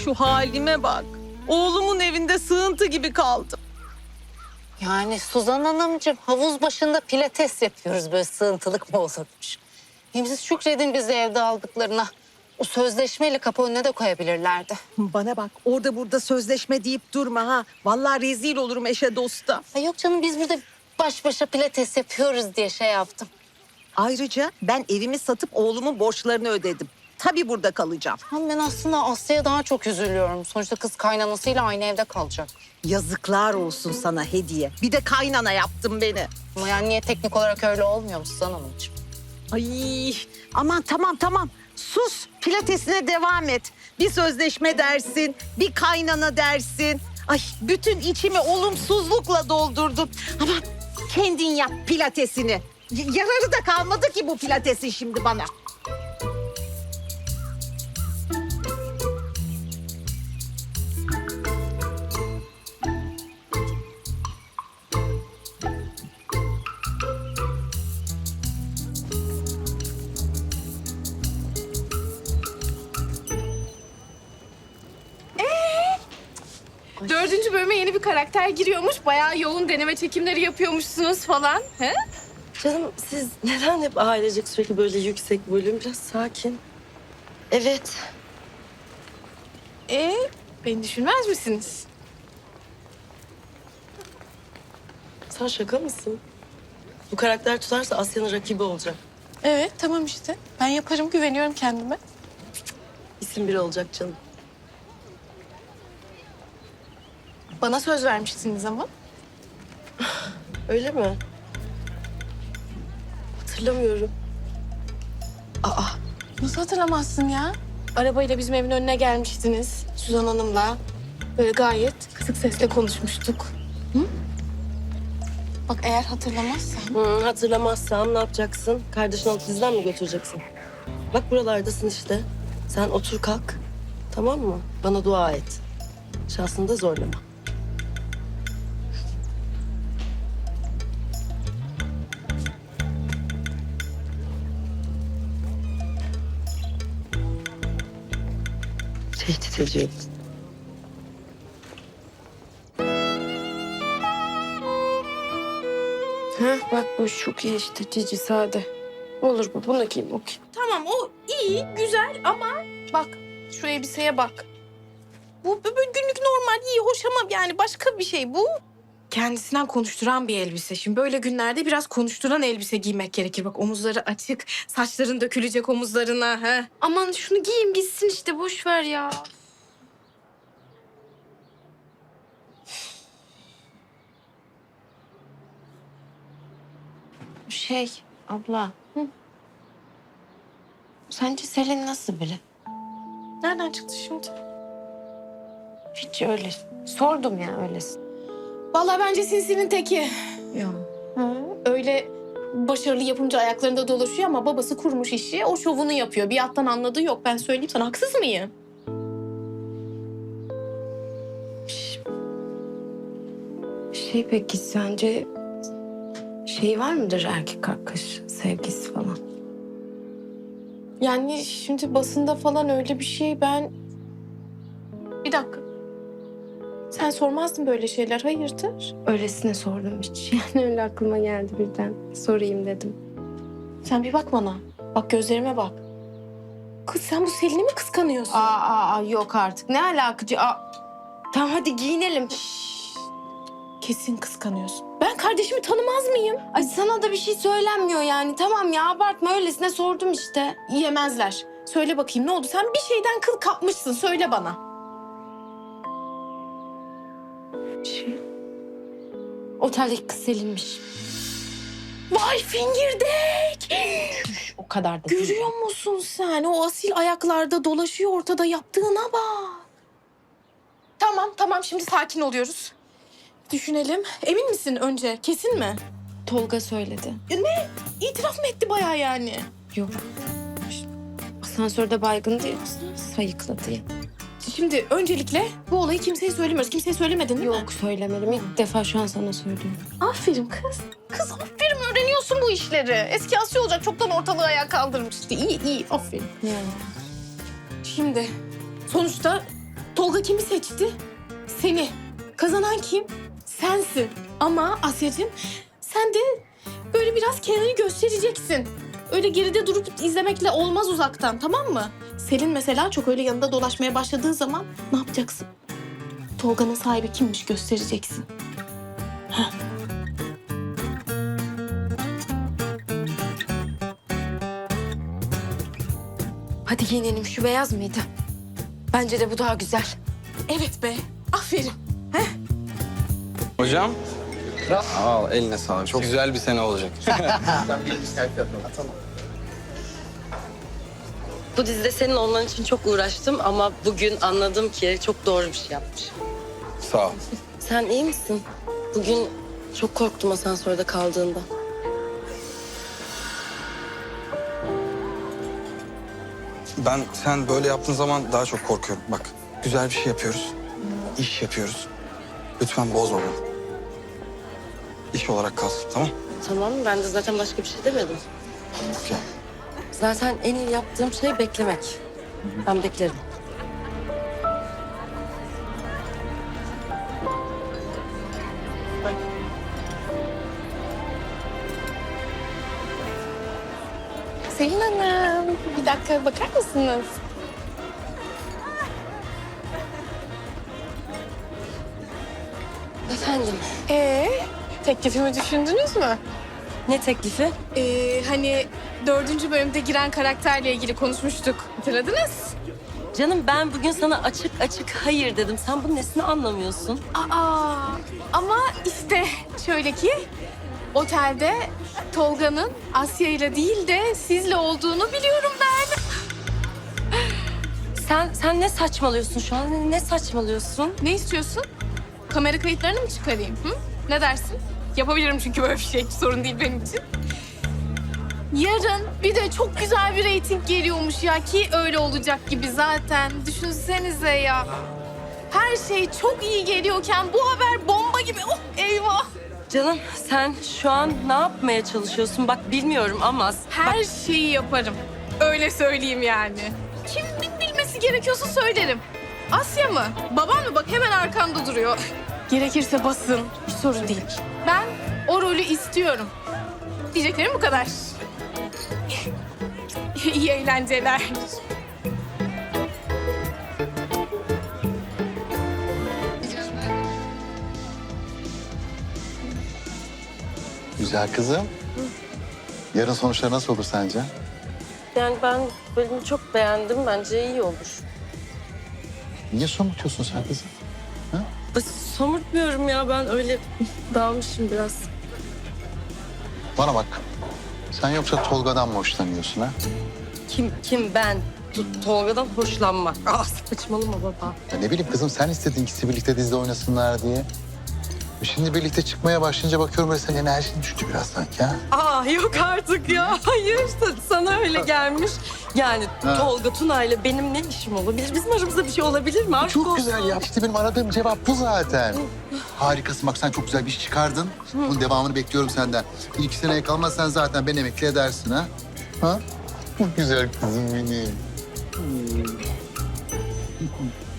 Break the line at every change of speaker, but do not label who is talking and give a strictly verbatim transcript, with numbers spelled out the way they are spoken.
şu halime bak. Oğlumun evinde sığıntı gibi kaldım.
Yani Suzan Hanımcığım havuz başında pilates yapıyoruz, böyle sığıntılık mı olurmuş? Hem siz şükredin bizi evde aldıklarına. O sözleşmeyle kapı önüne de koyabilirlerdi.
Bana bak, orada burada sözleşme deyip durma ha. Vallahi rezil olurum eşe dosta.
Ay yok canım, biz burada baş başa pilates yapıyoruz diye şey yaptım.
Ayrıca ben evimi satıp oğlumun borçlarını ödedim. Tabii burada kalacağım.
Ama ben aslında Aslı'ya daha çok üzülüyorum. Sonuçta kız kaynanasıyla aynı evde kalacak.
Yazıklar olsun sana Hediye. Bir de kaynana yaptın beni.
Ama yani niye teknik olarak öyle olmuyor mu Suzan Hanımcığım?
Ay aman tamam tamam. Sus, pilatesine devam et. Bir sözleşme dersin, bir kaynana dersin. Ay bütün içimi olumsuzlukla doldurdun. Ama kendin yap pilatesini. Y- yararı da kalmadı ki bu pilatesin şimdi bana.
Dördüncü bölüme yeni bir karakter giriyormuş. Bayağı yoğun deneme çekimleri yapıyormuşsunuz falan. He?
Canım siz neden hep ailecek sürekli böyle yüksek bölüm? Biraz sakin. Evet.
Ee, beni düşünmez misiniz?
Sen şaka mısın? Bu karakter tutarsa Asya'nın rakibi olacak.
Evet, tamam işte. Ben yaparım, güveniyorum kendime.
İsim biri olacak canım.
Bana söz vermiştiniz ama.
Öyle mi? Hatırlamıyorum. Aa,
Nasıl hatırlamazsın ya? Arabayla bizim evin önüne gelmiştiniz. Suzan Hanım'la. Böyle gayet kısık sesle konuşmuştuk. Hı? Bak eğer hatırlamazsan.
hı, hatırlamazsam ne yapacaksın? Kardeşini alıp bizden mi götüreceksin? Bak buralardasın işte. Sen otur kalk. Tamam mı? Bana dua et. Şansını da zorlama. Tehdit ediyor.
Heh, bak bu çok iyi işte cici sade. Olur bu, bunu giyeyim okey.
Tamam o iyi, güzel ama bak şu elbiseye bak. Bu bu- bu günlük normal, iyi, hoş ama yani başka bir şey bu. Kendisinden konuşturan bir elbise. Şimdi böyle günlerde biraz konuşturan elbise giymek gerekir. Bak omuzları açık, saçların dökülecek omuzlarına. He.
Aman şunu giyeyim gitsin işte boş ver ya. Şey abla. Hı? Sence Selin nasıl biri?
Nereden çıktı şimdi?
Hiç öyle. Sordum ya öylesin.
Vallahi bence sinsinin teki.
Yok.
Hı, öyle başarılı yapımcı ayaklarında dolaşıyor ama babası kurmuş işi. O şovunu yapıyor. Bir alttan anladığı yok. Ben söyleyeyim sana. Haksız mıyım?
Şey peki sence şey var mıdır erkek arkadaş sevgisi falan?
Yani şimdi basında falan öyle bir şey ben... Bir dakika. Sen sormazdın böyle şeyler. Hayırdır?
Öylesine sordum hiç. Yani öyle aklıma geldi birden. Sorayım dedim.
Sen bir bak bana. Bak gözlerime bak. Kız sen bu Selin'i mi kıskanıyorsun?
Aa, aa, aa, yok artık. Ne alakacı? Aa. Tamam hadi giyinelim.
Kesin kıskanıyorsun. Ben kardeşimi tanımaz mıyım?
Ay sana da bir şey söylenmiyor yani. Tamam ya abartma öylesine sordum işte.
Yemezler. Söyle bakayım ne oldu? Sen bir şeyden kıl kapmışsın. Söyle bana.
Şey. Oteldeki kız Selin'miş.
Vay fingirdek!
O kadar da değil.
Görüyor musun sen? O asil ayaklarda dolaşıyor ortada, yaptığına bak. Tamam tamam şimdi sakin oluyoruz. Düşünelim. Emin misin önce? Kesin mi?
Tolga söyledi.
İtiraf mı etti bayağı yani?
Yok. Asansörde baygındı yoksa sayıkladı ya.
Şimdi öncelikle bu olayı kimseye söylemiyoruz. Kimseye söylemedin değil mi?
Yok söylemedim. İlk defa şu an sana söylüyorum.
Aferin kız. Kız aferin öğreniyorsun bu işleri. Eski Asya olacak çoktan ortalığı ayağa kaldırmıştı. İyi iyi aferin.
Yani.
Şimdi sonuçta Tolga kimi seçti? Seni. Kazanan kim? Sensin. Ama Asya'cığım sen de böyle biraz kendini göstereceksin. Öyle geride durup izlemekle olmaz uzaktan, tamam mı? Selin mesela çok öyle yanında dolaşmaya başladığı zaman ne yapacaksın? Tolga'nın sahibi kimmiş göstereceksin. Heh.
Hadi giyinelim, şu beyaz mıydı? Bence de bu daha güzel.
Evet be, aferin.
Hocam. Al eline sağlık. Çok güzel bir sene olacak.
Bu dizide senin olman için çok uğraştım ama bugün anladım ki çok doğru bir şey yapmış.
Sağ ol.
Sen iyi misin? Bugün çok korktum asansörde kaldığında.
Ben sen böyle yaptığın zaman daha çok korkuyorum. Bak güzel bir şey yapıyoruz. İş yapıyoruz. Lütfen bozma bunu. İş olarak kalsın, tamam?
Tamam, ben de zaten başka bir şey demedim.
Okey.
Zaten en iyi yaptığım şey beklemek. Ben beklerim.
Selin Hanım, bir dakika bakar mısınız?
Efendim,
Ee, teklifimi düşündünüz mü?
ne teklifi?
Ee, hani dördüncü bölümde giren karakterle ilgili konuşmuştuk. Hatırladınız?
Canım ben bugün sana açık açık hayır dedim. Sen bunun nesini anlamıyorsun?
Aa, ama işte şöyle ki otelde Tolga'nın Asya ile değil de sizle olduğunu biliyorum ben.
Sen sen ne saçmalıyorsun şu an? Ne saçmalıyorsun?
Ne istiyorsun? Kamera kayıtlarını mı çıkarayım? Hı? Ne dersin? Yapabilirim çünkü böyle bir şey. Hiç sorun değil benim için. Yarın bir de çok güzel bir reyting geliyormuş ya ki öyle olacak gibi zaten. Düşünsenize ya. Her şey çok iyi geliyorken bu haber bomba gibi. Oh eyvah.
Canım sen şu an ne yapmaya çalışıyorsun? Bak bilmiyorum ama...
Her şeyi yaparım. Öyle söyleyeyim yani. Kimin bilmesi gerekiyorsa söylerim. Asya mı? Babam mı? Bak hemen arkamda duruyor. Gerekirse basın. Hiç sorun değil. Ben o rolü istiyorum. Diyeceklerim bu kadar. İyi eğlenceler.
Güzel kızım. Yarın sonuçlar nasıl olur sence?
Yani ben bölümü çok beğendim. Bence iyi olur.
Niye somurtuyorsun sen kızım?
Somurtmuyorum ya, ben öyle dalmışım biraz.
Bana bak. Sen yoksa Tolga'dan mı hoşlanıyorsun ha?
Kim kim ben? T- Tolga'dan hoşlanmak. Ah saçmalama baba.
Ya ne bileyim kızım, sen istedin ikisi birlikte dizide oynasınlar diye. Şimdi birlikte çıkmaya başlayınca bakıyorum böyle senin enerjin düştü biraz sanki ha.
Aa yok artık ya. Hayır sana öyle gelmiş. Yani
Ha.
Tolga Tuna ile benim ne işim olabilir? Bizim aramızda bir şey olabilir mi? Aşk
Çok
olsun.
güzel ya. İşte benim aradığım cevap bu zaten. Harikasın, bak sen çok güzel bir iş çıkardın. Bunun devamını bekliyorum senden. Bir iki seneye kalmazsan zaten beni emekli edersin ha. Ha? Çok güzel kızım benim.